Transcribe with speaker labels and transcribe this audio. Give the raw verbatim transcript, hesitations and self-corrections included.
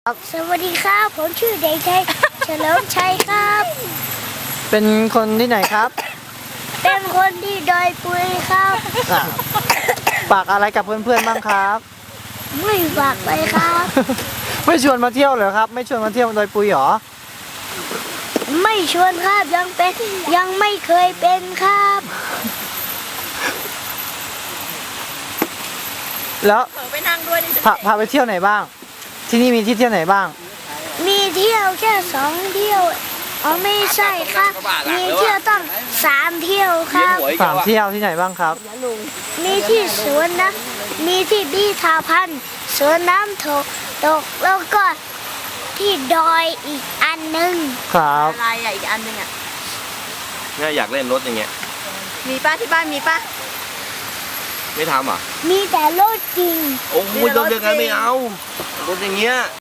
Speaker 1: ครับสวัสดีครับผมชื่อเด็กชายเฉลิมชัยครับ
Speaker 2: เป็นคนที่ไหนครับ
Speaker 1: เป็นคนที่ดอยปุยครับ
Speaker 2: อ่ะฝากอะไรกับเพื่อนๆบ้างครับ
Speaker 1: ไม่ฝากเลยครับ
Speaker 2: ไม่ชวนมาเที่ยวเหรอครับ ไม่ชวนมาเที่ยวดอยปุยเหรอ
Speaker 1: ไม่ชวนครับยังเป็นยังไม่เคยเป็นครับ
Speaker 2: แล้ว
Speaker 3: เผลอไปนั่งด้วยดิ
Speaker 2: พาพาไปเที่ยวไหนบ้าง ที่นี่มีที่เที่ยวไหนบ้าง
Speaker 1: มีเที่ยวแค่สองเที่ยวอ๋อไม่ใช่ครับ มีเที่ยวต้องสามเที่ยวครับ
Speaker 2: สามเที่ยวที่ไหนบ้างครับ
Speaker 1: มีที่สวนน้ำมีที่บีทาพันธุ์สวนน้ำตกตกแล้วก็ที่ดอยอีกอันหนึ่ง
Speaker 2: ครับ
Speaker 3: อะไรอ่ะอีกอันหนึงอ่ะ
Speaker 4: เนี่ยอยากเล่นรถอย่างเงี้ย
Speaker 3: มีป้าที่บ้านมีป้า
Speaker 4: ไม่ทำอ่ะ
Speaker 1: มีแต่รถจริง
Speaker 4: โอ้โหรถยังไงไม่เอา รถอย่างเงี้ย